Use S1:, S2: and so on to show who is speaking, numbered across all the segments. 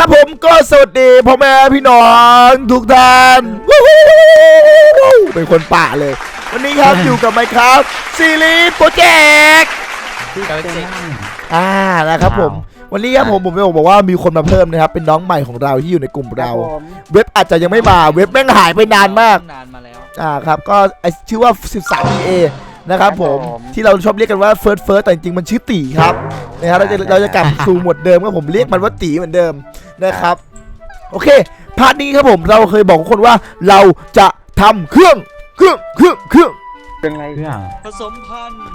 S1: ครับผมก็สวัสดีพ่อแม่พี่น้องทุกท่านเป็นคนป่าเลยวันนี้ครับอยู่กับไมค์ครับซีรีส์โปรเจกต์นะครับผมวันนี้ครับผมจะบอกว่ามีคนมาเพิ่มนะครับเป็นน้องใหม่ของเราที่อยู่ในกลุ่มเราเว็บอาจจะยังไม่มาเว็บแม่งหายไปนานมาก
S2: มาแล้ว
S1: ครับก็ชื่อว่า 13EA นะครับผมที่เราชอบเรียกกันว่าเฟิร์สแต่จริงๆมันชื่อตีครับนะครับเราจะกลับสู่หมวดเดิมก็ผมเรียกมันว่าตีเหมือนเดิมนะครับโอเคพาร์ทนี้ครับผมเราเคยบอกทุกคนว่าเราจะทำเครื่อง
S3: เป็นไร
S2: ผสมพันธุ์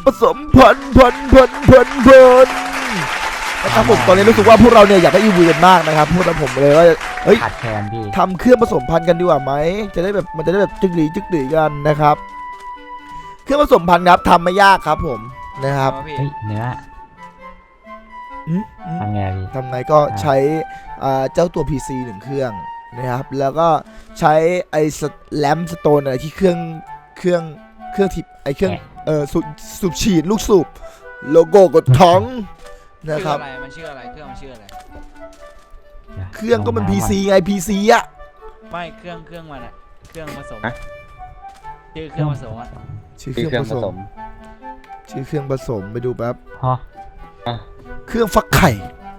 S1: นะครับผมตอนนี้รู้สึกว่าพวกเราเนี่ยอยากได้อีวีกันมากนะครับพูดแล้วผมเลยว่าเฮ้ย
S3: ขาดแคลนพี่
S1: ทำเครื่องผสมพันธุ์กันดีกว่าไหมจะได้แบบมันจะได้แบบจึกหลีกันนะครับเครื่องผสมพันธุ์ครับทำไม่ยากครับผมนะครับ
S3: เนื้อทำไงพี่
S1: ทำไงก็ใช้เจ้าตัว PC 1 เครื่องนะครับแล้วก็ใช้ไอ้แลมสโตนอะไรที่เครื่องทิปไอ้เครื่องสูบฉีดลูกสูบโลโก้กดท้องนะครับ
S2: มันชื่ออะไรเครื่องมันชื่ออะไร
S1: เครื่องก็มัน PC ไง PC อะ
S2: ไม่เครื่องมันอะเครื่องผสมชื่อเครื่องผสมอะ
S1: ชื่อเครื่องผสมไปดูแป๊บเครื่องฟักไข่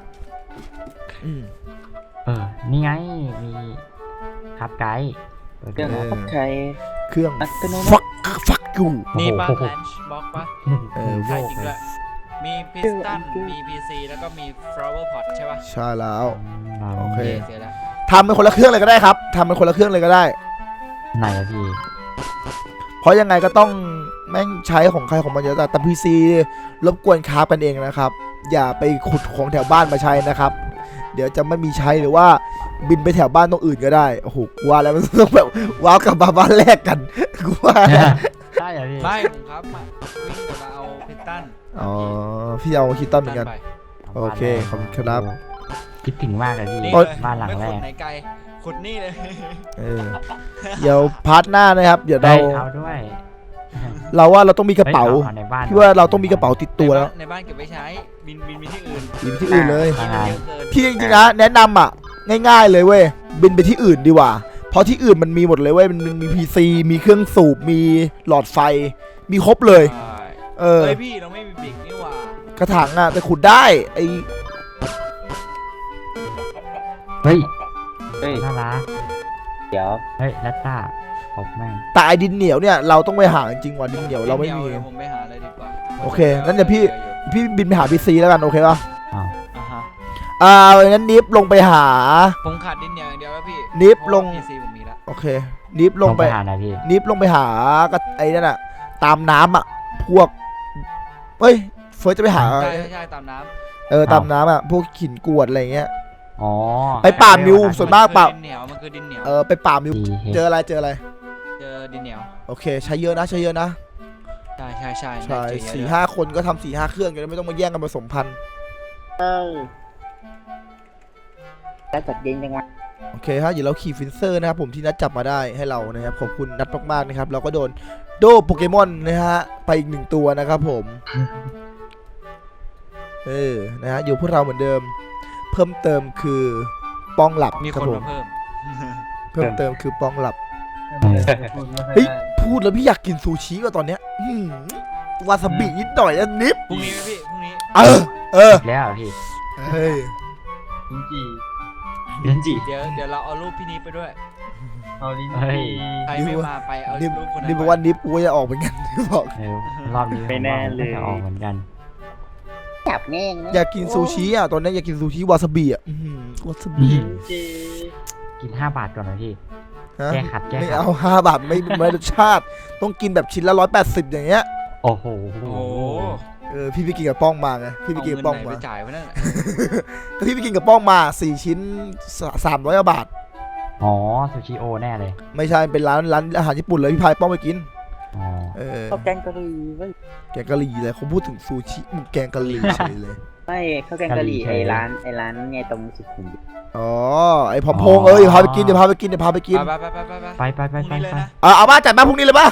S3: นี่ไงมีครับไกด์
S1: เครื่องฟักไข่เครื่องฟักอยู่
S2: นี่บ้างแลนช์บ็อกปะใช่จริงด้วยมีพิสตันมี PC แล้วก็มี flower pot ใช่ปะ
S1: ใช่แล้วโอเคทำเป็นคนละเครื่องเลยก็ได้ครับทำเป็นคนละเครื่องเลยก็ได้
S3: ไหนอะพี่
S1: เพราะยังไงก็ต้องแม่งใช้ของใครของมันเยอะแต่ PC รบกวนคราฟกันเองนะครับอย่าไปขุดของแถวบ้านมาใช้นะครับเดี๋ยวจะไม่มีใช้หรือว่าบินไปแถวบ้านตรงอื่นก็ได้โอ้โหว่าแล้วมันต้องแบบว้าวกลับมาบ้านแรกกันกูว่า
S3: ได้เหรอพี่
S2: ไม่ผมครับวิ่งกลับมาเอาพิสตัน
S1: พี่เอาคิตตันเหมือนกันโอเคขอบคุณครับ
S3: คิดถึงมากเลยพี่บ้านหลังแรก
S2: ไหนไกลขุดนี่เลย
S1: เดี๋ยวพาร์ทหน้านะครับเดี๋ยว
S3: เราด้วย
S1: เราว่าเราต้องมีกระเป๋าพี่ว่าเราต้องมีกระเป๋าติดตัวแล้ว
S2: ในบ้านเก็บไว้ใช้บินไปที่อื่น
S1: เลยพี่จริงๆนะแนะนำอ่ะง่ายๆเลยเว้ยบินไปที่อื่นดีกว่าเพราะที่อื่นมันมีหมดเลยเว้ยมันมี PC มีเครื่องสูบมีหลอดไฟมีครบเลย
S2: พี่เราไม่มีบิ๊กนี่หว่าก
S1: ระถางอ่ะแต่ขุดได้ไอ
S3: เฮ้ยน่ารักเดี๋ยวเฮ้ยนัตตาผมแม่ง
S1: แต่ไอดินเหนียวเนี่ยเราต้องไปหาจริงว่ะดินเหนียวเราไม่มี
S2: ผมไปหาเลยดีกว่า
S1: โอเคงั้นเดี๋ยวพี่บินไปหา PC แล้วกันโอเคป่ะงั้นนิฟลงไปหา
S2: ผมขาดดินเหนียวอย่างเดียวแล้วพี่
S1: นิฟลง
S2: PC ผมมีแล้ว
S1: โอเคนิฟลงไปหาอะไรพี่นิฟลงไปหาก็ไอ้นั่นอะตามน้ำอะพวกเฮ้ยเฟิร์สจะไปหา
S2: ใช่ตามน้
S1: ำตามน้ำอะพวกหินกรวดอะไรเงี้ย
S3: ไป
S1: ป่ามิวส่วนมากป่า
S2: ดินเหนียวมันคือดินเหนียว
S1: ไปป่ามิวเจออะไรเจอ
S2: ดินเหนียว
S1: โอเคใช้เยอะนะ
S2: ใช่
S1: 4-5 คนก็ทำ4-5 เครื่องกันไม่ต้องมาแย่งกันผสมพันธุ์
S3: แล้วจัดเย็นยังไง
S1: โอเคฮะเดี๋ยวเราขี่ฟินเซอร์นะครับผมที่นัดจับมาได้ให้เรานะครับขอบคุณนัดมากๆนะครับเราก็โดนโดโปเกมอนนะฮะไปอีก1 ตัวนะครับผมนะฮะอยู่พวกเราเหมือนเดิมเพิ่มเติมคือป้องหลับ
S2: มีคนมา
S1: เพิ่มเติมคือป้องหลับเฮ้ยพูดแล้วพี่อยากกินซูชิว่ะตอนเนี้ยวาซาบินิดหน่อยนะนิฟ
S2: พรุ่งนี้พี่พรุ่งนี้
S3: แล้วพี่
S1: เฮ้ย
S3: เดี๋
S2: ยวเราเอารูปพี่นิฟไปด้วย
S3: เอาลิ้น
S2: ใครไม่มาไปเอารูปคนนั้น
S1: นี่บอกว่านิฟกูจะออกเหมือนกันบอก
S3: รอบนี้ไม่แน่เลยจะออกเหมือนกันจับแน่
S1: อยากกินซูชิอ่ะตอนนี้อยากกินซูชิวาซาบิอ่ะวาซาบิ
S3: กิน5 บาทก่อนนะพี่แก้ขัด
S1: ไม่เอา5 บาทไม่รสชาติต้องกินแบบชิ้นละ180อย่างเงี้ย
S3: โอ้โห
S1: พี่ไปกินกับป้องมาไงพี่ไปกินกับป้องมา
S2: จ่ายไว้นั่นแหละ
S1: ก็พี่ไปกินกับป้องมา4 ชิ้น300 บาท
S3: ซูชิโอแน่เลย
S1: ไม่ใช่เป็นร้านอาหารญี่ปุ่นเลยพี่พายป้องไปกิน
S3: ข้าวแกงกะหรี่
S1: แกงกะหรี่เลยเขาพูดถึงซูชิมึงแกงกะหรี่เฉยเลย
S3: ไม่ข้าวแกงกะหรี่ไอ้ร้านไงตรงสุขุมวิท
S1: ไอ้ผอมพงพาไปกินเดี๋ยวพาไปกิน
S3: ไป
S1: เอามาจัดมาพรุ่งนี้เลยป่ะ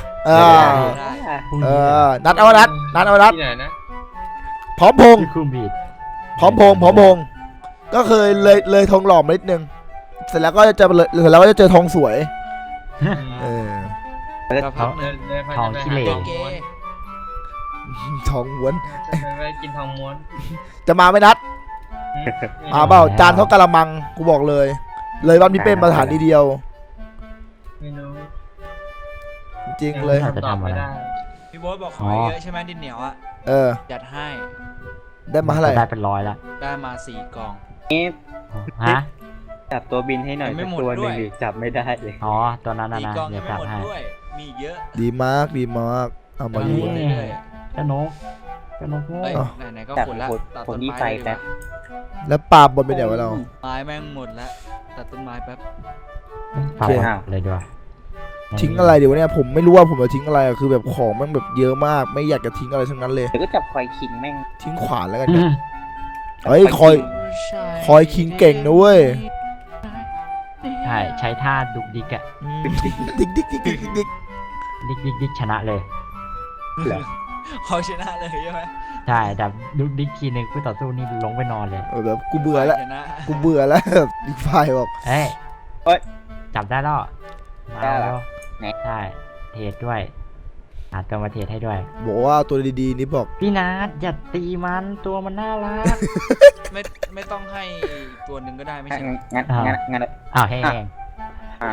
S1: นัดเอานัดพร้อมพงก็เคยเลยทองหล่อมานิดนึงเสร็จแล้วก็จะเจอทองสวยเออ
S2: ก็พักหนึ่ง
S3: ทองขี้เหร่
S2: ตัวเกย์
S1: ทองม้วน
S4: ไปกินทองม้วน
S1: จะมาไหม่นัดมาเปล่าจานเท่ากะละมังกูบอกเลยบ้านพี่เป้มาสถานีเดียว
S4: ไม่รู้
S1: จริงๆเลย
S3: จะทำอะไร
S2: พี่โบ๊ทบอกขอเยอะใช่ไหมดินเหนียวอ่ะ
S1: เออ
S2: จัดให้
S1: ได้มาเท่าไหร่
S3: ได้เป็นร้อยละ
S2: ได้มา4 กล่อง
S3: ฮะ
S5: จับตัวบินให้หน่อย
S2: ยังไม่
S5: สัก
S2: หมด
S5: ตัวห
S2: ด้
S5: นึ่
S2: ว
S5: ง
S2: ย
S5: ดิจับไม่ได้เลย
S3: อ๋อตัวนั้นนะ
S2: 4
S3: นะ
S2: กล่อง
S3: เดี๋
S2: ยั
S3: ยว
S2: งไม่
S3: จัด
S2: หมด
S3: ให้
S2: ด้วยมีอีกเยอะ
S1: ดีมากเอามา
S2: เ
S1: อยู่
S2: เรื่อย
S3: เจ้านกโง่
S2: ๆเอ้ย
S1: อ๋อ
S2: ไหนๆก็
S5: จับ
S2: ขุดแล้วตัด
S5: ผ
S2: ต้
S5: ม
S2: น
S5: ดี
S2: ไม้
S5: ไฟ
S2: เลยดีก
S5: แป๊
S2: ว่า
S5: บ
S1: แล้วปลาบนเป็นเดี๋ยวไว้เรา
S2: ไม้แม่งหมดแล้วตัดต้นไม้แป๊บ
S3: เปล่า
S1: โอเค
S3: เลยด้วย
S1: ทิ้งอะไรเดี๋ยวเนี่ยผมไม่รู้ว่าผมจะทิ้งอะไรอะคือแบบของมันแบบเยอะมากไม่อยากจะทิ้งอะไรทั้งนั้นเลย
S5: เดี๋ยวก็จับควายคิงแม่ง
S1: ทิ้งขวานแล้วกัน
S3: อื
S1: เนี่ย
S3: ม
S1: เฮ้ยคอยคิงเก่งนะเว้ย
S3: ใช่ใช้ท่าดุกดิกอะ
S1: ดิ๊กดิ๊กดิ๊กดิ๊กดิ๊ก
S3: ดิกชนะเลย
S2: เขาชนะเลยใช่ไหม
S3: ใช่แต่ดุกดิกทีนึงคู่ต่อสู้นี่ลงไปนอนเลย
S1: แบบกูเบื่อแล้ว
S2: ชนะ
S1: กูเบื่อแล้วแบบอีกฝ่ายบอก
S3: เอ้ย
S5: เฮ้ย
S3: จับได้แล้วมา
S5: ได้เหรอ
S3: แล้ว
S5: ไหน
S3: ใช่เทรดด้วยอาตัวมาเทรดให้ด้วย
S1: บอกว่าตัวดีๆนี่บอก
S3: พี่นัทอย่าตีมันตัวมันน่ารัก
S2: ไม่ต้องให้ตัวหนึ่งก็ได้ไม่ใช่
S5: งั้น
S3: อ่า
S5: งั้น
S3: อ้าวแห้ง
S5: อ้าว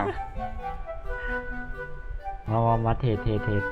S3: มาเทรด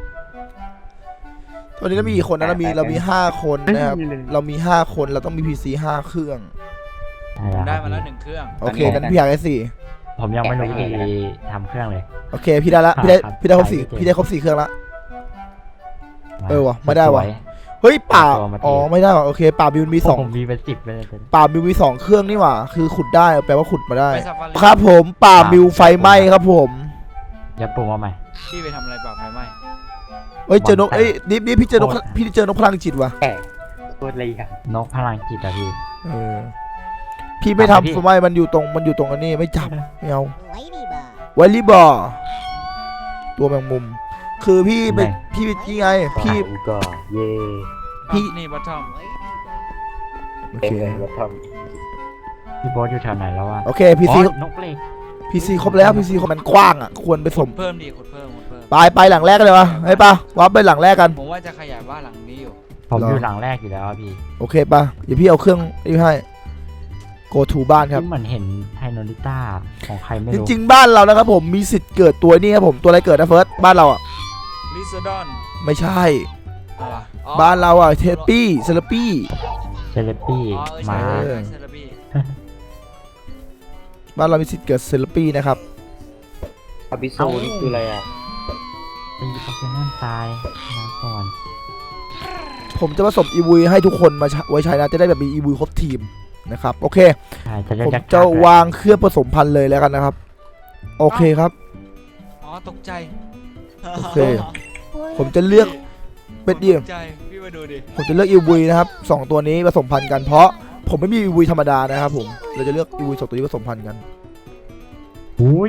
S1: ตอนนี้เรามีกี่คนนะเรามี5 คนนะครับเรามี5 คนเราต้องมี PC 5 เครื่อง
S2: ได้มาแล้ว1 เครื่อง
S1: โอเคนั้นพี่อยากได้4
S3: ผมยังไม่รู้วิธีทำเครื่องเลย
S1: โอเคพี่ได้ละพี่ได้ครบ
S3: ขาย
S1: 4พี่ได้ครบ4 เครื่องละ
S3: มา
S1: เออว่ะไม่ได้ว่ะ
S3: สย
S1: เฮ้ยป่า
S3: ตัวมาเท
S1: อ๋อไม่ได้ว่ะโอเคป่าบิวมี
S3: ผมมีเป็น10เลย
S1: 2ป่าบิวมี2 เครื่องนี่หว่าคือขุดได้แปลว่าขุดมาได้
S2: ไปซาฟารี
S1: ครับผมป่าบิวไฟไหม้ครับผม
S3: อย่าปรุงมาใหม่
S2: พี่ไปทำอะไรปากไฟไหม้
S1: เฮ้ยเจอนกเอ้ยนี่พี่เจอนกพี่เจอนกพลังจิตว่ะ
S5: แก่ตัวอะไรอ่ะ
S3: นกพลังจิตอะพี่
S1: เออพี่ไม่
S3: ทำไมพี่
S1: ทำทำไมมันอยู่ตรงอันนี้ไม่จับไม่เอา
S6: ไว้ดีบ่า
S1: ไวลี่บอร์ตัวแมงมุม คือพี่เป็นพี่นี่ไงพี่
S5: อูก็เย่
S1: พี่
S2: นี่บัตทอม
S1: โอ
S5: เต็
S1: เค
S5: มเลยรถทอม
S3: พี่โบ๊ทอยู่แถวไหนแล้ววะ
S1: โอเคพีซี
S3: อ๋อนกเหล็ก
S1: พีซีครบแล้วพีซีมันกว้างอ่ะควรไปสม
S2: เพิ่มดีขุดเพิ่ม
S1: ไปหลังแรกกันเลยวะให้ปะวับไปหลังแรกกัน
S2: ผมว่าจะขยายบ้านหลังนี้อยู่
S3: ผม
S1: เหรอ
S3: อ
S1: อ
S3: ยู่หลังแรกอยู่แล้วอะพี่
S1: โอเคปะเดี๋ยวพี่เอาเครื่องนี่ให้ go to บ้านครับ
S3: ที่เหมือนเห็นไทโนริต้าของใครไม่
S1: จ
S3: รู้
S1: ริงๆบ้านเรานะครับผมมีสิทธิ์เกิดตัวนี้ครับผมตัวอะไรเกิดนะเฟิร์สบ้านเราอ่ะ
S2: ลิซดอน
S1: ไม่ใช่
S2: อะไรอ๋อ
S1: บ้านเราอ่ะเทปปี้เซเลปี้
S3: เซเลปี้
S2: อ๋อ
S3: มา
S2: ใช่
S1: เออ
S2: เซเลบี
S1: บ้านเรามีสิทธิ์เกิดเซเลปี้นะครับ
S5: อาบิโซนี่คืออะไรอ่ะ
S3: ตีโปเกมอนตายมาก่อน
S1: ผมจะผสมอีวีให้ทุกคนมาไว้ใช้นะจะได้แบบมีอีวีครบทีมนะครับโอเค
S3: ใช่จะได้
S1: ผม
S3: จัก
S1: จะวางเครื่องผสมพันธุ์เลยแล้วกันนะครับโอเคครับ
S2: อ๋อตกใจ
S1: โอเค ผมจะเลือกเป็นเดียว
S2: ตกใจพี่มาดูดิ
S1: ผมจะเลือกอีวีนะครับ2ตัวนี้ผสมพันธุ์กันเพราะผมไม่มีอีวีธรรมดานะครับผมเราจะเลือกอีวี2ตัวนี้ผสมพันธุ์กัน
S3: อุ้ย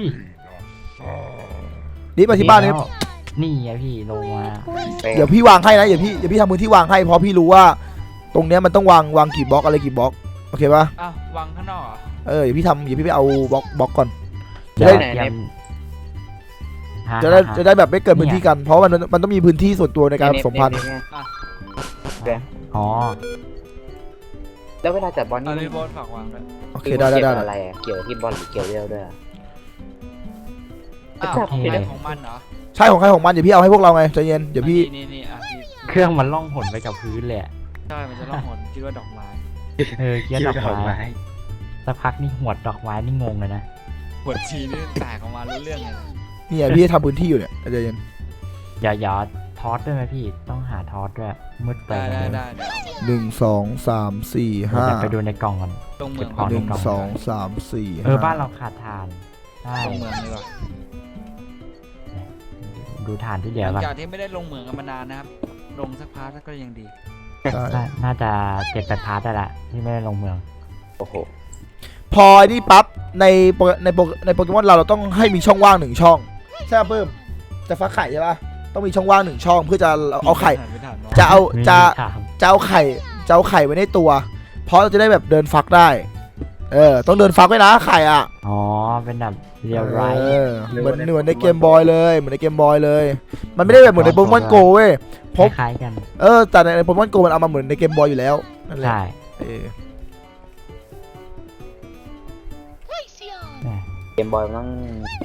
S1: นี่มาที่บ้านนี้
S3: แล้วนี่ไงพี่ลงมา
S1: เดี๋ยวพี่วางให้นะเดี๋ยวพี่ทำพื้นที่วางให้เพราะพี่รู้ว่า ตรงเนี้ยมันต้องวางกี่บล็อกอะไรกี่บล็อกโอเคปะ
S2: อ้าววางข้างนอกเหรอ
S1: เดี๋ยวพี่ไปเอาบล็อกก่อน จะ
S3: เดี๋ยว
S1: ได้
S3: เตรียมหา
S1: จะได้แบบไม่เกิดพื้นที่กันเพราะมันต้องมีพื้นที่ส่วนตัวในการผสมพันธุ์
S3: อ๋อ
S5: แล้วเวลาจับบอล
S2: อัน
S5: นี่
S2: นี้บอลฝากวางด้วย
S1: โอเคได้
S5: เกี่ยวอะไรอ่ะเกี่ยวที่บอลหรือเกี่ยวเรียวด้วยอะ
S2: อ้าว
S5: จับ
S2: ของ
S5: ผิด
S2: ใคร
S5: เลย
S2: ของมันเหรอ
S1: ใช่ของใครของมันเดี๋ยวพี่เอาให้พวกเราไงใจเย็นเดี๋ยวพี่
S2: นี่อ่ะพี่
S3: เครื่องมันล่องหนไปกับพื้นเลยอะ
S2: ใช่มันจะล่องหนคิดว่าดอกไม้
S3: เกี้ยดอกไม้สักพักนี่หวดดอกไม้นี่งงเลยนะ
S2: หัวชีนี่แตกออกมารู้เรื่องเลยนะ
S1: เนี่ยพี่ทำพื้นที่อยู่เนี่ยใจเย็น
S3: อย่าทอสด้วยไหมพี่ต้องหาทอสด้วยมืดไป
S2: ได้
S3: เลย
S2: ได้เดี๋ยว
S1: 1 2 3 4
S3: เดี๋ยว
S1: 5
S3: ไปดูในกล่องก่อน
S2: ตรงเมือง
S3: เก็บของ
S1: 1 2 3 4
S3: บ้านเราขาดถ่านใช่
S2: ตรงเมืองดีกว่า
S3: ดูถ่านที่เหลื
S2: ห
S3: อ
S2: ลัง
S3: ก่อน
S2: จากที่ไม่ได้ลงเมืองกันมานานนะครับ ลงสักพาร์ทก็ยังดี
S3: น่าจะ7-8 พาร์ทได้ละที่ไม่ได้ลงเมือง
S5: โอ้โห
S1: พอนี่ปั๊บในโปเกมอนเราต้องให้มีช่องว่าง1ช่องใช่ป่ะเพิ่มจะฟักไข่ใช่ป่ะต้องมีช่องว่าง1ช่องเพื่อจะเอาไข่
S2: ไม่ทัน
S1: จะเอา
S3: ไม่มี
S1: จะ
S3: ถาม
S1: จะเอาไข่ไว้ในตัว เพราะเราจะได้แบบเดินฟักได้ต้องเดินฟักไว้นะไข่อ่ะ
S3: อ๋อเป็นแบบเรียวไร
S1: เหมือนในเกมบอยเลยเหมือนในเกมบอยเลย มันไม่ได้แบบเหมือนในโปเกมอนโกเว้ย
S3: คล้ายๆกัน
S1: แต่ในโปเกมอนโกมันเอามาเหมือนในเกมบอยอยู่แล้วนั่นแหละ
S3: ใช่ แหม
S5: เกมบอยมันต้อง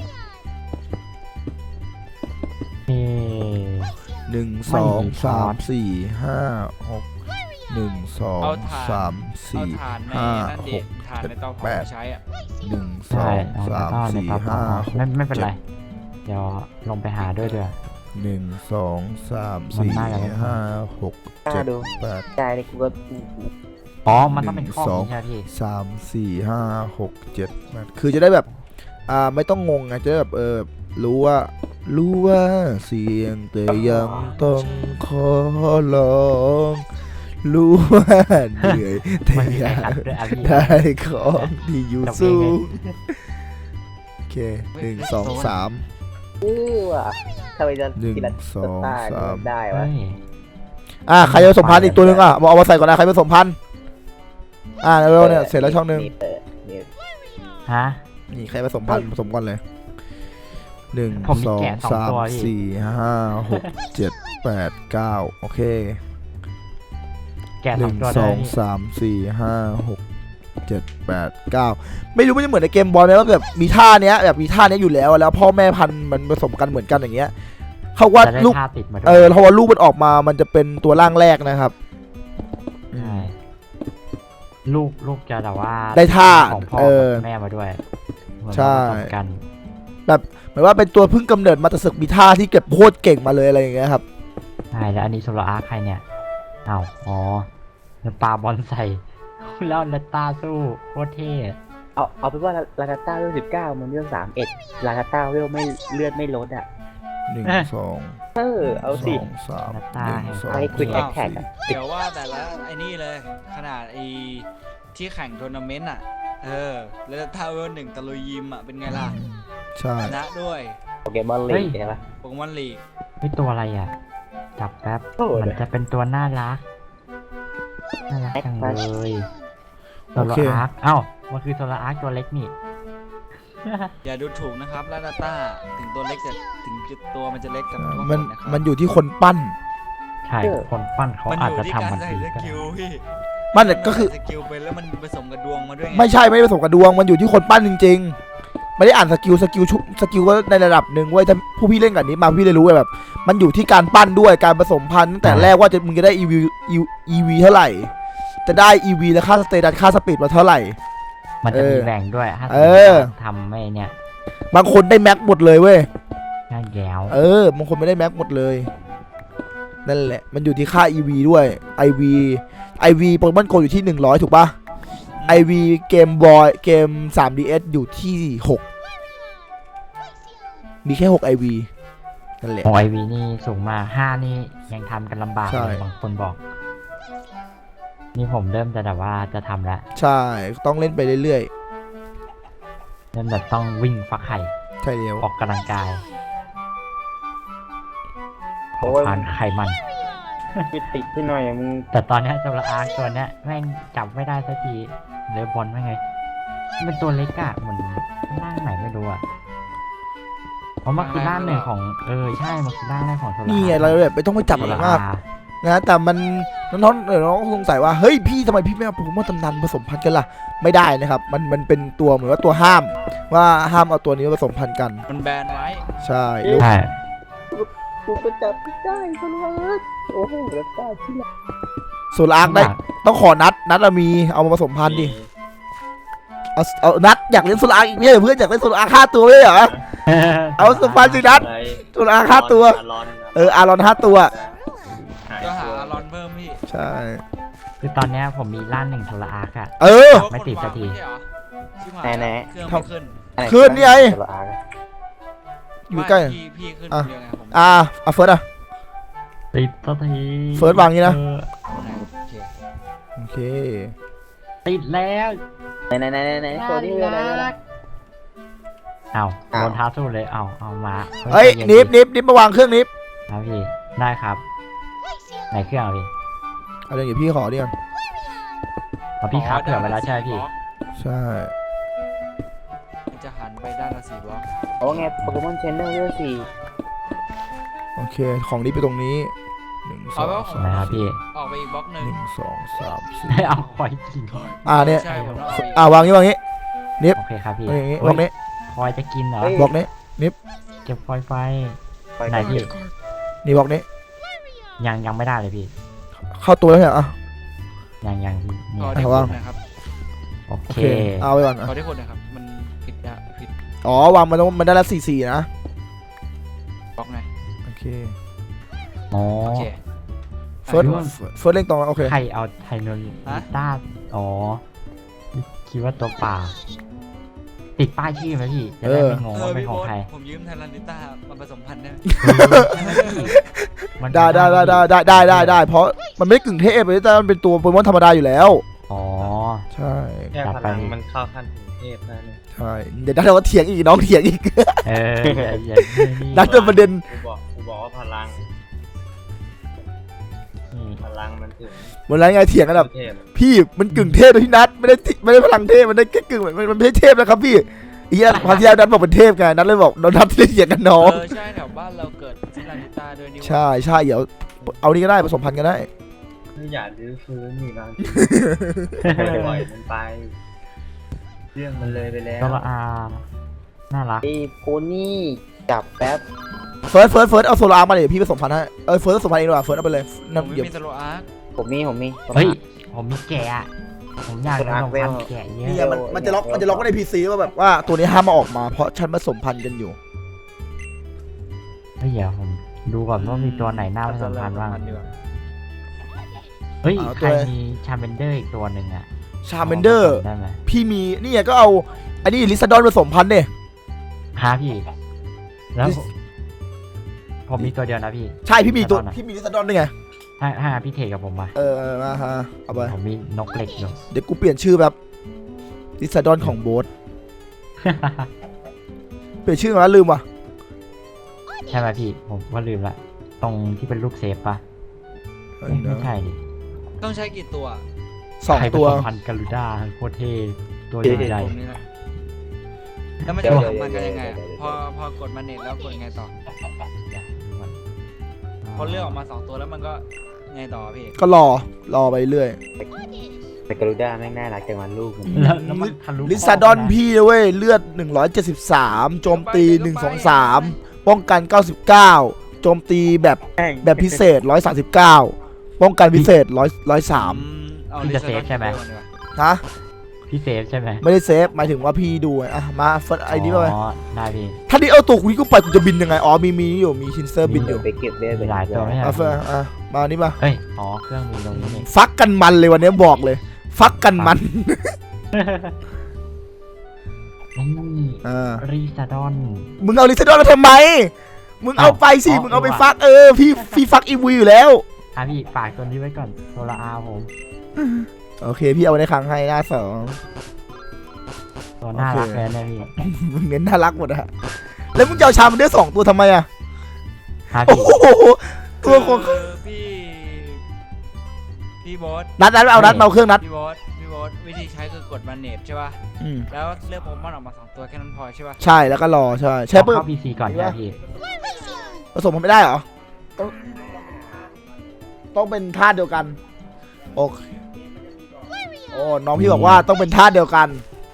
S3: นี่
S1: 1
S3: ไม่
S1: 2
S3: มีช้อน
S1: 3 4 5 6 1
S2: เอา
S1: 2
S2: ถ่าน
S1: 3
S2: เอา
S1: 4
S2: ถ่านใน
S1: 5
S2: นั่นดิถ่านในเตาเผา
S1: แปด
S2: ใช้อ่ะ
S1: 1
S3: ใช่
S1: 2
S3: เอา
S1: 3
S3: ใน
S1: 4
S3: เตาเผา
S1: 5
S3: ไม่เป็นไร เดี๋ยวลงไปหาด้วย
S1: 6 1 2 3
S3: มันน่าจะ
S1: 4 5 6
S5: กล้าดู
S1: 7 8
S5: ใจเลยกูก็
S3: อ๋อ มันต้องเป็นข้อนี้ใช่ไหมพี่
S1: 3 4 5 6 7 8คือจะได้แบบไม่ต้องงงไงจะได้แบบรู้ว่าเสียงแต่ยังต้องขอลองรู้ว่าเหนื่อยแต่
S3: ไม่มี
S1: อ
S3: ใคร
S1: ยา
S3: อั
S1: ก
S3: ดด้วยอ่ะพี่
S1: ได้ของที่อยู่
S3: จบเอง
S1: สู
S3: ไง
S1: งโอเค1 2 3
S5: ว่ะทำไมจะ
S1: 1
S5: ทีละ
S1: 2
S5: ตา
S1: 3
S5: ได้
S3: เฮ้
S5: วะ
S3: ย
S1: ใครจะผสมพันธุ์อีกตัวนึงเอามาใส่ก่อนนะใครผสมพันธุ์เร็วเนี่ยเสร็จแล้วช่องนึง
S3: ฮะ
S1: นี่ใครผสมพันธุ์ผสมก่อนเลย1
S3: ผมมี
S1: 2
S3: แกะสองตัวพี่
S1: 3 4 5 6 7 8 9โอเค
S3: แกะ
S1: ห
S3: สอ
S1: นึ่
S3: ง
S1: ง
S3: ตัว
S1: ส
S3: ได้
S1: อง
S3: พี่
S1: สามสี่ห้าหกเจ็ดแปดเก้าไม่รู้มันจะเหมือนในเกมบอลไหมว่าแบบมีท่าเนี้ยแบบมีท่าเนี้ยอยู่แล้วแล้วพ่อแม่พันธุ์มันผสมกันเหมือนกันอย่างเงี้ยเขาว่า
S3: จะได้
S1: ลูก
S3: ท่าติดมาด้ว
S1: เพราะว่าลูกมันออกมามันจะเป็นตัวร่างแรกนะครับ
S3: ใช่ลูกจะแต่ว่า
S1: ได้ท่า
S3: ของพ่อกับแม่มาด้วยเหมือน
S1: ใช่
S3: ผสมกัน
S1: หมายว่าเป็นตัวเพิ่งกำเนิดมาแต่ศึกมีท่าที่เก็บโคตรเก่งมาเลยอะไรอย่างเงี้ยครับ
S3: ใช่แล้วอันนี้โซลาร์อาร์คใครเนี่ยอ้าวอ๋อแล้วปาบอลใส่ แล้วเลตตาสู้โคตรเท่
S5: เอาเป็นว่าลาคาต้าเวล19มันเวล31ลาคาต้าเวลไม่เลือดไม่ลดอ่ะ
S1: 1 2
S5: เอาสิ
S1: 2 3
S3: เลตตา
S1: 1 2
S5: ไอ้ Quick
S1: 3
S5: Attack อะ
S2: เดี๋ยวว่าแต่ละไอ้นี่เลย ขนาดไอ้ที่แข่งทัวร์นาเมนต์อ่ะแล้วถ้าเวลหนึ่งตะลุยยิมอ่ะเป็นไงล่ะ
S1: ใช่
S2: ชนะด้วย
S5: โปเกมอนลีกใช่ปะ
S2: โปเกมอนลีก
S3: ไม่ตัวอะไรอ่ะ จับแป๊บ
S5: โอ้โห
S3: มันจะเป็นตัวน่ารักจังเลยโซ
S1: โอ
S3: ลา
S1: เค
S3: ร์อาร์คเอ้ามันคือโซลาร์อาร์คตัวเล็กนี่
S2: อย่าดูถูกนะครับลาดาต้าถึงตัวเล็กจะถึงตัวมันจะเล็กกับตัว
S1: มัน
S2: นะครับ
S1: มันอยู่ที่คนปั้น
S3: ใช่คนปั้นเขา
S2: มัน
S3: อาจ
S2: อยู่
S3: จะ
S2: ที่
S3: ทำ
S2: การ
S3: มัน
S2: ใส่
S3: ดี
S2: ส
S3: ก็
S2: กิลพี่
S1: มันก็คือ
S2: ใส่สกิลไปแล้วมันผสมกับดวงมาด้วยไง
S1: ไม่ใช่ไม่ได้ผสมกับดวงมันอยู่ที่คนปั้นจริงๆ ไม่ได้อ่านสกิลก็ในระดับหนึ่งเว้ยถ้าผู้พี่เล่นกับนี้มาพี่เลยรู้เลยแบบ มันอยู่ที่การปั้นด้วยการผสมพันธุ์ตั้งแต่แรกว่ามึงจะได้ EV เท่าไหร่ จะได้ EV และค่าสเตตัสค่าสปีดมาเท่าไหร่
S3: มันจะมีแบ่งด้วยถ้าสม
S1: เอ
S3: มติ
S1: อ
S3: ว่าทำไม่เนี่ย
S1: บางคนได้แม็กหมดเลยเว้ย
S3: น่าแย้ว
S1: บางคนไม่ได้แม็กหมดเลยนั่นแหละมันอยู่ที่ค่า EV ด้วย IV โปเกมอนโกอยู่ที่100ถูกปะ IV เกมบอยเกม 3DS อยู่ที่6มีแค่6 IV นั่นแหละ
S3: ของไอวีนี่สูงมาก5นี่ยังทำกันลำบาก
S1: ใช่
S3: เลยบางคนบอก นี่ผมเริ่มจะแบบว่าจะทำแล้ว
S1: ใช่ต้องเล่นไปเรื่อย
S3: เริ่มแบบต้องวิ่งฟักไข่
S1: ๆ ใช่เดียว
S3: ออกกำลังกาย
S5: โอ้ย
S3: ผ่านไข่มัน
S5: ไปติดที่หน่อยมึง
S3: แต่ตอนเนี้ยโซลาร์อาร์คตัวเนี้ยแม่งจับไม่ได้สักทีเลอบอลไม่ไงมันตัวเล็กอะเหมือนร่างไหนไม่รู้อะเพราะมันคือร่างหนึ่งของใช่มันคือร่างแรกของโซลาร์
S1: นี่ไงเราแบบไม่ต้องไปจับ
S3: โซ
S1: อะไร
S3: ลาร์
S1: มาก
S3: อาร์
S1: นะแต่มันน้องสงสัยว่าเฮ้ยพี่ทำไมพี่ไม่เอาโปเกมอนตำนานผสมพันธุ์กันล่ะไม่ได้นะครับมันเป็นตัวเหมือนว่าตัวห้ามว่าห้ามเอาตัวนี้มาผสมพันธุ์กัน
S2: มันแบนไว้
S1: ใช่
S3: ใช่
S5: กูก็จับไม่ได้คนละโอ้โหแล้วป้าที่ไหน
S1: โซลาร์ได้ต้องขอนัดมีเอามาผสมพันธุ์ดิเอานัดอยากเล่นโซลาร์อีกเนี่ยเพื่อนอยากเล่นโซลาร์5 ตัวเลยเหรอเอาผสมพันธุ์สินัดโซลาร์5 ตัวอารอน5 ตัว
S2: ก็หาอารอนเพิ่มพี่
S1: ใช่
S3: คือตอนเนี้ยผมมีร่างหนึ่งโซลาร์อาร์คอะ ไม่ติดสักที
S5: แน่
S2: เครื่องไม่ขึ้น
S1: ขึ้นนี่ไง
S5: ตัวอาร์
S1: อยู่ใกล้
S2: ไม่พี่ขึ้นคนเดียวไงผม
S1: เฟิร์ส
S3: ติดสักที
S1: เฟิร์สวางงี้นะ
S2: โอเค
S1: โอเค
S3: ติดแล้ว
S5: ไหนตัวนี้อะไรนะ
S3: เอาโดนท้าสู้เลยเอามา
S1: เฮ้ย
S3: ใจเย็
S1: นิบมาวางเครื่องนิบ
S3: ครับพี่ได้ครับไหนเครื่องอะพี่
S1: เอาเดี๋ยวพี่ขอดิก่อน
S3: เอาพี่ครับเผื่อไว้แล้วใช่ไหมพี่
S1: ใช่
S2: มันจะหันไปด้านละ4 บล็อก
S5: โอ้ไงโปเกมอนเชนเนลเวล4
S1: โอเคของนี้ไปตรงนี้1
S2: เอาแล้ว
S1: 2
S3: นะครับพี่
S2: ออกไปอีกบล็อกหนึ่ง
S1: 1 2 3
S3: ให้เอาคอยกิน
S1: 4เนี่ย
S2: ใช่ผมต้องเอาอีก
S1: วางนี้วางนี้
S3: โอเคครับพี่
S1: วางอย่างนี้
S3: เฮ้
S1: บล็อกนี้
S3: คอยจะกินเหรอ
S1: บล็อกนี้
S3: เก็บคอยไฟ
S5: ไป
S3: ไหนพี่
S1: นี่บล็อกนี้
S3: ยังไม่ได้เลยพี่
S1: เข้าตัวแล้วเนี่ยอ่ะ
S3: ยังพี่นี่
S2: ขอที่
S1: เอา
S2: คุ
S1: วาง
S2: ณนะครับ
S3: โอ
S1: โอ
S3: เค
S1: เคเอาไปก่อนอ่ะ
S2: ขอที่คุณนะครับ มันผิดอะผิด
S1: อ๋อวางมันได้ละ4 4นะ
S2: บล็อกไง
S1: โอเค
S3: อ๋อ
S2: โอเค
S1: เฟิร์ส
S3: อ่ะ
S1: เฟิร์สเล่งตรงโอเค
S3: ใครเอาไทโนลิ
S2: ฮะ
S3: ต้าอ๋อคิดว่าตัวเปล่าติดป้ายชื่อไหมพี่จะได้ไม่งงว่าเป็น
S2: พี่
S3: ของ
S2: โบ๊ท
S3: ใคร
S2: ผมยืมไทยแลนดิต้ามาผสมพันธุ์ได้ไหม
S3: มัน
S1: ได้เพราะมันไม่ได้กึ่งเทพเลยแต่มันเป็นตัวโปเกมอนธรรมดาอยู่แล้ว
S3: อ๋อ
S1: ใช่
S4: แค่
S3: จัด
S4: พ
S3: ไป
S4: ลังมันเข้าขั้นถึงเทพแล้วเนี่ย
S1: ใช่เดี๋ยวนัดเราก็เถียงอีกน้องเถียงอีก
S3: เอออย่านี่
S1: นัดจนประเด็น
S4: กูบอกว่าพลัง
S3: นี่
S4: พลังมันถึง
S1: วันไรไงเถียงกันแบบ
S4: เทพ
S1: พี่มันกึ่งเทพเลยพี่นัดไม่ได้พลังเทพมันได้แค่กึ่งมันไม่ใช่เทพนะครับพี่อีกอย่างความที่แล้วนัดบอกเป็นเทพไงนัดเลยบอกนัดที่เถียงกันน้อง
S2: ใช่แถวบ้านเราเกิดไทยแลนดิต้าด้วยนี่หว่า
S1: ใช่เดี๋ยวเอานี่ก็ได้ผสมพันธุ์ก็ได้
S4: ไม่อยากรื้อฟื้นนี่บางทีปล่อยมันไป เรื่องมันเลยไปแล้ว
S3: ตัวละอาน่ารัก
S5: ไอ้โพนี่จับแป๊บ
S1: เฟิร์สเอาโซลาร์มาเลยพี่ผสมพันธุ์ให้เฟิร์สผสมพันธุ์เองดีกว่าเฟิร์สเอาไปเลย
S2: ผม
S1: น้ำ
S2: ไม่
S1: เดี๋ยว
S2: มีสโลอาร์ค
S5: ผมมี
S3: เฮ้ยผมมีแกะอะผมอยากผสมพันธุ์แกะเย
S1: นี่
S3: อะ
S1: มันจะล็อกไว้ในพีซีว่าแบบว่าตัวนี้ห้ามมาออกมาเพราะฉันผสมพันธุ์กันอยู่
S3: เฮ้ยเดี๋ยวผมดูก่อนว่ามีตัวไหนน่าผสมพันธุ์บ้าง
S2: ดีกว่า
S3: เฮ้ย
S1: เอา
S3: ใค
S1: ตั
S3: ร
S1: ว
S3: มีชาเมนเดอร์อีกตัวหนึ่งอะ
S1: ชาเมนเดอร์
S3: ได้ไหม
S1: พี่มีนี่ไงก็เอาอันนี้ลิซาดอนผสมพันธุ์เนี่ย
S3: ฮะพี่แล้วผมมีตัวเดียวนะพี่
S1: ใช่พี่มีตัว
S3: ลิซาดอนอะ
S1: พี่มีลิซาดอนด้วยไง
S3: ถ้าพี่เทกับผมมา
S1: มาฮะเอาไป
S3: ผมมีนกเหล็กอยู่
S1: เดี๋ยวกูเปลี่ยนชื่อแบบลิซาดอนของโบ๊ทเปลี่ยนชื่อมาแล้วลืมว่ะ
S3: ใช่ไหมพี่ผมก็ลืมละตรงที่เป็นรูปเซฟปะเอ๊ะไม่ใช่ดิ
S2: ต้องใช้กี่ตัว
S1: สอง
S3: ใครผ
S1: ตัว
S3: สมพันธุ์กาลูด้าโคตรเท่ตัวใหญ่
S2: ผมนี่แหละแล้วมันจะผสมพันธุ์กันยังไงอะพอกดมาเน็ตแล้วกดไงต่อ พอเลือกออกมา2 ตัวแล้วมันก็ไงต่อพี่
S1: ก็รอไปเรื่อย
S5: แต่กรุด้าแม่งน่ารักจังวันลูกมัน
S3: แล้วมันทะลุ
S1: ลิซาดอนพี่นะเว้ยเลือด173โจมตี123ป้องกัน99โจมตีแบบพิเศษ139ป้องกันพิเศษ103
S2: เอา
S3: พี่จะเซฟใช่ไหม
S1: ฮะ
S3: พี่เซฟใช่ไหม
S1: ไม่ได้เซฟหมายถึงว่าพี่ดูไงอ่ะมาเฟิร์สไอ้นี่มาไป
S3: อ๋อได้พี่
S1: ถ้านี่เอาตัวคุยกูไปกูจะบินยังไงอ๋อมีอยู่มีชินเซอร์บินอยู่
S5: ไปเก็บเลือด
S3: มีหลายตัวไหม
S1: อ่ะเฟิร์สมานี่มา
S3: เอ้ยอ๋อเครื่องมีตรงนี้นี่
S1: ฟักกันมันเลยวันนี้บอกเลย ฟักกันมัน
S3: นี่ รีซาดอน
S1: มึงเอาลิซาดอนมาทำไมมึงเอาไปสิมึงเอาไปฟักพี่ฟักอีวีอยู่แล้ว
S3: อ่ะพี่ฝากตัวนี้ไว้ก่อนโซลาอาผม
S1: โอเคพี่เอาไว้ในครั้งให้หน้าสอง
S3: ตัวน่ารักเลยนะพี่
S1: มึงเน้นน่ารักหมดอะแล้วมึงจะเอาชามันได้2 ตัวทำไมอะ
S3: ฮะ
S1: โอ้
S3: พี่
S1: โหตัวของ
S2: คือพี่โบอส
S1: นัดเอานัดมาเอาเครื่องนัด
S2: พี่โบอสวิธีใช้คือกดมาเน็ตใช่ป่ะ แล้วเลือกโปเกมอนออกมา2 ตัวแค่นั้นพอใช่ป่ะ
S1: ใช่แล้วก็รอใช่ใช่ปุ๊บ
S3: เข้าพีซีก่อนนะพี่
S1: ผสมมันไม่ได้เหรอต้องเป็นธาตุเดียวกันโอเคโอ้น้องพี่บอกว่าต้องเป็นธาตุเดียวกัน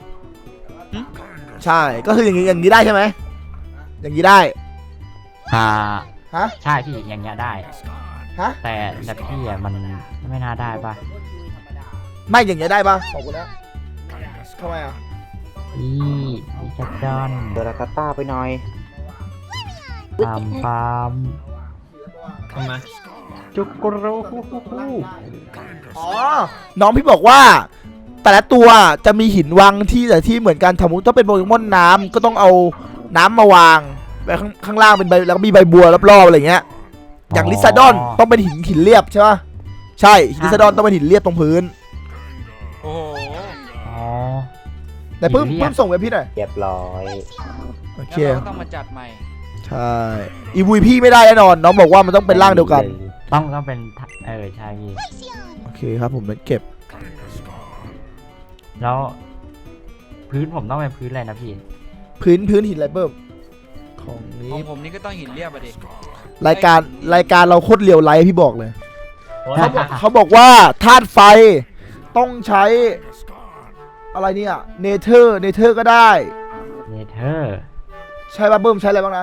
S1: ใช่ก็คืออย่างนี้ได้ใช่ไหมอย่างนี้ได้
S3: อ่า
S1: ฮะ
S3: ใช่พี่อย่างเงี้ยได้
S1: ฮะ
S3: แต่พี่อ่ะมันไม่น่าได้ปะ
S1: ไม่อย่างเงี้ยได้ปะบอกกูนะทำไมอ่ะ
S3: อีรีซาดอน
S5: เดอรากาต้าไปหน่อย
S3: ปามปาม
S4: ทำไม
S3: จุกรู
S1: อ๋อน้องพี่บอกว่า แต่ละตัวจะมีหินวางที่แต่ที่เหมือนกันสมมติถ้าเป็นโปเกมอนน้ำก็ต้องเอาน้ำมาวางไว้ข้างล่างเป็นใบแล้วก็มีใบบัวรอบๆอะไรเงี้ยอย่างลิซาดอนต้องเป็นหินเรียบใช่ปะใช่ลิซาดอนต้องเป็นหินเรียบตรงพื้น
S2: โอ้โห
S3: อ๋อ
S1: แต่เพิ่ม
S3: หินเรียบ
S1: ส่งไปพี่หน่อย
S5: เรียบร้อย
S1: โอเค
S2: แล้วเราก็ต้องมาจัดใหม่
S1: ใช่อีวีพี่ไม่ได้แน่นอนน้องบอกว่ามันต้องเป็นร่างเดียวกัน
S3: ต้องเป็นใช่พี่
S1: โอเคครับผมนั้นเก็บ
S3: แล้วพื้นผมต้องเป็นพื้นอะไรนะพี่
S1: พื้นหินอะไรเพิ่มของ
S2: ข
S1: นี้
S2: องผมนี่ก็ต้องหินเรียบอะดิ
S1: รายการเราโคตรเรียวไลท์พี่บอกเลย
S4: เพราะ
S1: เขาบอกว่าธาตุไฟต้องใช้อะไรเนี่ยเนเธอร์ก็ได้
S3: เนเธอร์
S1: ใช่ป่ะเบิ้มใช้อะไรบ้างนะ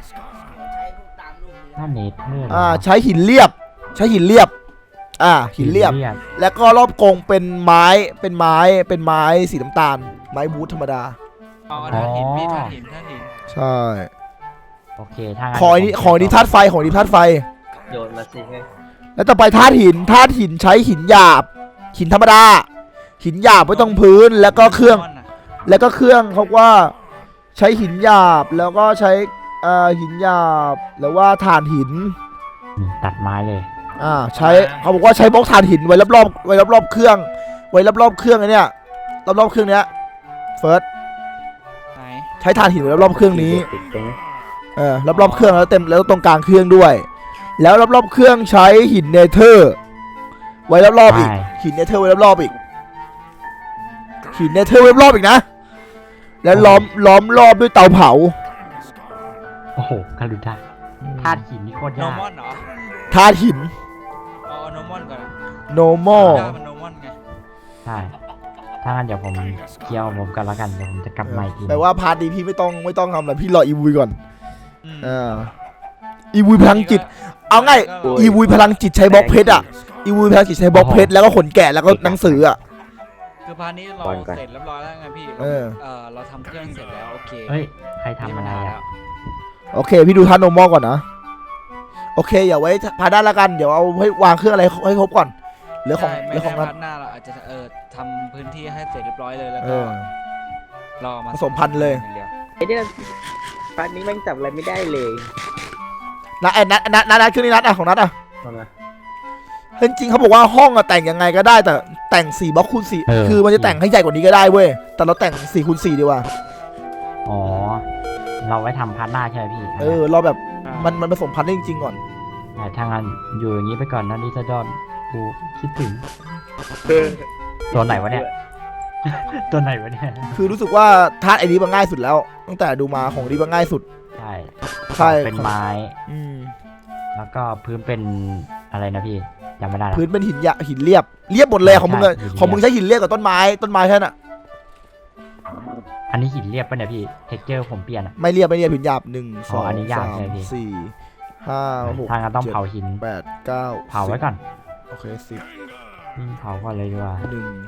S3: ถ้าเนเธอร์
S1: ใช้หินเรียบหินเรียบแล้วก็รอบกรงเป็นไม้สีน้ำตาลไม้บูทธรรมดา
S2: เอาธาตุหินพี่ธาตุหิน
S1: ใช่
S3: โอเคถ้างั้น
S1: ของนี้ธาตุไฟ
S4: โยนมาสิให้
S1: แล้วต่อไปธาตุหินใช้หินหยาบหินธรรมดาหินหยาบไว้ตรงพื้นแล้วก็เครื่องเขาว่าใช้หินหยาบแล้วก็ใช้หินหยาบหรือว่าถ่านหิน
S3: ตัดไม้เลย
S1: ใช้เขาบอกว่าใช้บล็อกถ่านหินไว้รอบเครื่องไว้รอบเครื่องไอ้เนี่ยรอบเครื่องเนี้ยเฟิร์ส
S2: ไหน
S1: ใช้ถ่านหินไว้รอบเครื่องนี้
S5: ติดตรงนี้
S1: รอบเครื่องแล้วเต็มแล้วตรงกลางเครื่องด้วย แล้วรอบเครื่องใช้หินเนเธอร์ไว้รอบอีกหินเนเธอร์ไว้รอบอีกหินเนเธอร์ไว้รอบอีกนะแล้วล้อมรอบด้วยเตาเผา
S3: โอ้โหคารุด้าธาตุหินนี่โคตร
S2: โน
S3: ยาก
S2: มอนเหรอ
S1: ธาตุหิน
S2: เอาโนมอนก่อนนะ
S1: normal
S2: ธาตุมันโนมอนไง
S3: ใช่ถ้างั้นเดี๋ยวผมเคลียร์ผมกันแล้วกันเดี๋ยวผมจะกลับมาอีกที
S1: แปลว่าพาร์ทนี้พี่ไม่ต้องทำอะไรพี่รออีวุยก่อน
S2: อืม
S1: อีวุยพลังจิตเอาง่ายอีวุยพลังจิตใช้บล็อกเพชรอีวุยพลังจิตใช้บล็อกเพชรแล้วก็ขนแกะแล้วก็หนังสือ
S2: คือพาร์ทนี้เราเสร็จเรียบร้อยแล้วไงพี่เราทำเครื่องเสร็จแล้วโอเค
S3: เฮ้ยใครทำอะไรอ่ะ
S1: โอเคพี่ดูท่านโนมอลก่อนนะโอเคอย่าไว้พาด้านละกันเดี๋ยวเอาให้วางเครื่องอะไรให้ครบก่อนเหลือของ
S2: ใช่
S1: เห
S2: ไม่
S1: ลือข
S2: ได้
S1: อง
S2: พา
S1: นั้น
S2: ร์ทหน้าเราอาจจะทำพื้นที่ให้เสร็จเรียบร้อยเลยแล้ว
S1: เอ
S2: ก็
S1: อ
S2: รอมา
S1: ผสมพันธุ์เลย
S2: างดีว
S5: ไอ้เนี่ยปานนี้แม่งจับอะไรไม่ได้เลย
S1: นัดเครื่องนี้นัดของนัด
S4: มามา
S1: จริงๆเขาบอกว่าห้องแต่งยังไงก็ได้แต่แต่ง4บล็อกคูณ4คือมันจะแต่งให้ใหญ่กว่านี้ก็ได้เว้ยแต่เราแต่ง4คูณ4ดีกว่า
S3: อ๋อเราไว้ทำพาร์ทหน้าใช่ไหมพี่
S1: เราแบบมันผสมพันธุ์ได้จริงๆก่อน
S3: ถ้างั้นอยู่อย่างนี้ไปก่อนนะดิจิดอนกูคิดถึงตัวไหนวะเนี่ย ตัวไหนวะเนี่ย
S1: คือรู้สึกว่าธาตุไอ้นี้มันง่ายสุดแล้ว ตั้งแต่ดูมาของนี้มันง่ายสุด
S3: ใช่
S1: ใช่
S3: เป็นไม้
S1: แล้ว
S3: ก็พื้นเป็นอะไรนะพี่จำไม่ได้ละ
S1: พื้นเป็นหินเรียบหมดเลยของมึง
S3: ใช่หินเรียบ
S1: ของมึงใช้หินเรียบกับต้นไม้แค่นั้น
S3: อันนี้หินเรียบป่ะเนี่ยพี่เท็กเจอร์ผมเปลี่ยนอ่ะ
S1: ไม่เรียบหินหยาบ1
S3: อ๋ออันนี้
S1: 2
S3: หยาบใช่ไหมพี่
S1: 3 4 5 6
S3: ถ้างั้นต้องเผาหิน
S1: 7 8 9
S3: เผาไว้ก่อน
S1: โอเค10
S3: เผาก่อนเลยดีกว่า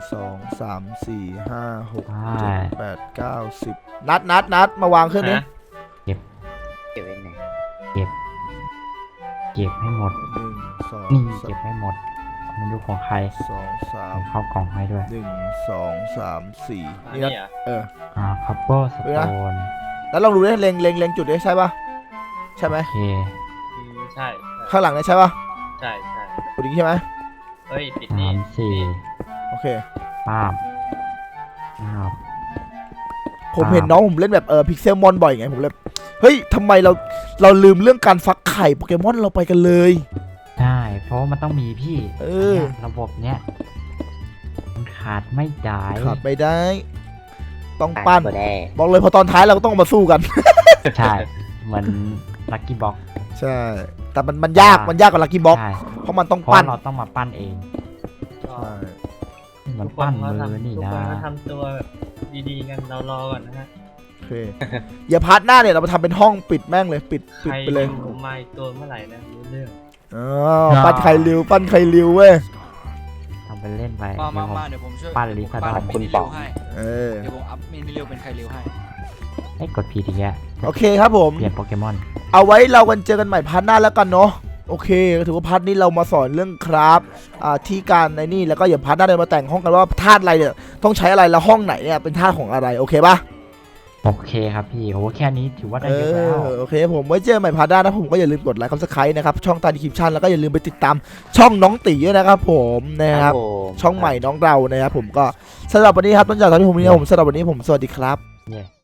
S1: 1 2 3 4 5 6
S3: ใช่
S1: 7 8 9 10นัดมาวางเครื่องนี้
S5: เก็บไว้ไหน
S3: เก็บให้หมด
S1: 1
S3: นี่
S1: 2
S3: เก็บให้หมดมันดูของใคร
S1: 2
S3: ผมเข้ากล่องให้ด้วย
S1: 3 1 2 3 4
S4: นี่
S1: นี่
S4: เหร
S1: นะ
S4: อ
S3: คัพเปอร์สโตน
S1: แล้วลองดูดิเล็งจุดดิใช่ปะใช่ไหม
S3: โอเค
S4: ใช่
S1: ข้างหลังเนี่ยใช่ปะ
S4: ใช่
S1: จุดนี้ใช่ไหม
S4: เฮ้ยปิดนี่
S3: 3
S1: โอเค
S3: 4ป้าบ
S1: ผมเห็นน้องผมเล่นแบบพิกเซลมอนบ่อยไงผมเลยเฮ้ยทำไมเราลืมเรื่องการฟักไข่โปเกมอนเราไปกันเลย
S3: ใช่เพราะว่ามันต้องมีพี่
S1: อ
S3: เนี่ยระบบเนี้ยมันขาดไม่ได้
S1: ขาดไม่ได้ ต้องปั้น
S5: ตัวแน่
S1: บอกเลยพอตอนท้ายเราก็ต้องมาสู้กัน
S3: ใช่เหมือนลักกี้บ็อก
S1: ใช่ แต่มันยากกว่าลักกี้บ็อก
S3: ใช่
S1: เพราะมันต้อง
S3: เพราะ
S1: ปั้น
S3: เราต้องมาปั้นเอง
S4: ก็
S1: ใช่
S3: มันปั้นมือนี่
S4: ทุก
S3: นะ
S4: คนก็ทำตัวแบบดีๆกันเรารอก่อนนะฮะ
S1: โอเคอย่าพาร์ทหน้าเนี่ยเรามาทำเป็นห้องปิดแม่งเลยปิด
S4: ใคร
S1: ไปเลย
S4: ดูมาอีกตัวเมื่อไหร่นะรู้เรื่อง
S1: ปั้นไข่ริวเว้ย
S3: ทำไปเล่นไป
S2: มาเดี๋ยวผมช่วย
S3: ปั้นลิซ่าดอน
S2: มินิริวให้
S1: เออ
S2: เดี๋ยวผมอัพมินิริวเป็นใครริวให้
S3: ให้กดพีทีแก
S1: โอเคครับผม
S3: เปลี่ยนโปเกมอน
S1: เอาไว้เรากันเจอกันใหม่พาร์ทหน้าแล้วกันเนาะโอเคถือว่าพาร์ทนี้เรามาสอนเรื่องคราฟที่การในนี่แล้วก็อย่าพาร์ทหน้าเดินมาแต่งห้องกันว่าธาตุอะไรเนี่ยต้องใช้อะไรแล้วห้องไหนเนี่ยเป็นธาตุของอะไรโอเคปะ
S3: โอเคครับพี่โหแค่นี้ถือว่าได้เยอะแล้ว
S1: โอเคผมไว้เจอใหม่พาร์ทหน้านะผมก็อย่าลืมกดไลค์ซับสไครต์นะครับช่องใต้ดีคริปชั่นแล้วก็อย่าลืมไปติดตามช่องน้องตีด้วยนะครับผมนะครับ
S5: ผม
S1: ช่องใหม่น้องเรานะครับผมก็สำหรับวันนี้ครับต้นจากตอนที่ผมนี้ผมสำหรับวันนี้ผมสวัสดีครับ
S3: เย่